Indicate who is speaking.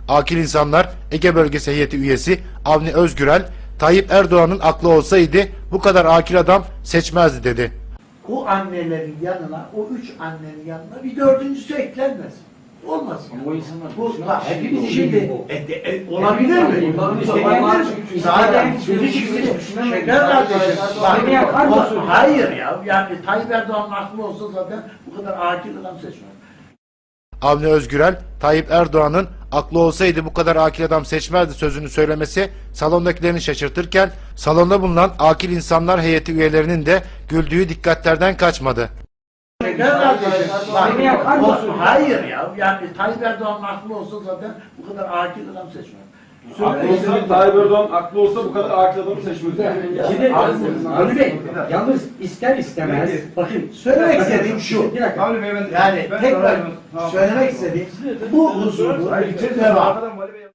Speaker 1: Akil İnsanlar Ege Bölgesi Heyeti üyesi Avni Özgürel, Tayyip Erdoğan'ın aklı olsaydı bu kadar akil adam seçmezdi dedi.
Speaker 2: O annelerin yanına, o 3 annenin yanına bir dördüncüsü eklenmez. Olmaz.
Speaker 3: Ama o insanlar
Speaker 2: bu hepimiz
Speaker 3: şimdi
Speaker 2: olabilir mi? Zaten sözü çıktı. Şeker kardeşim. Hayır ya. Yani Tayyip Erdoğan'ın aklı olsa zaten bu kadar akil adam seçmez.
Speaker 1: Avni Özgürel, Tayyip Erdoğan'ın aklı olsaydı bu kadar akil adam seçmezdi sözünü söylemesi salondakilerini şaşırtırken salonda bulunan Akil İnsanlar Heyeti üyelerinin de güldüğü dikkatlerden kaçmadı.
Speaker 2: Hayır ya. Yani Tayyip Erdoğan'ın aklı olsa zaten bu kadar akil adam seçmez.
Speaker 4: Aklı olsa, Tayyip Erdoğan aklı olsa bu kadar akil adamı seçmez.
Speaker 3: Şimdi Avni Bey, yalnız ister istemez, bakın
Speaker 2: Söylemek istediğim şu, yani tekrar söylemek istediğim bu huzurlu devam.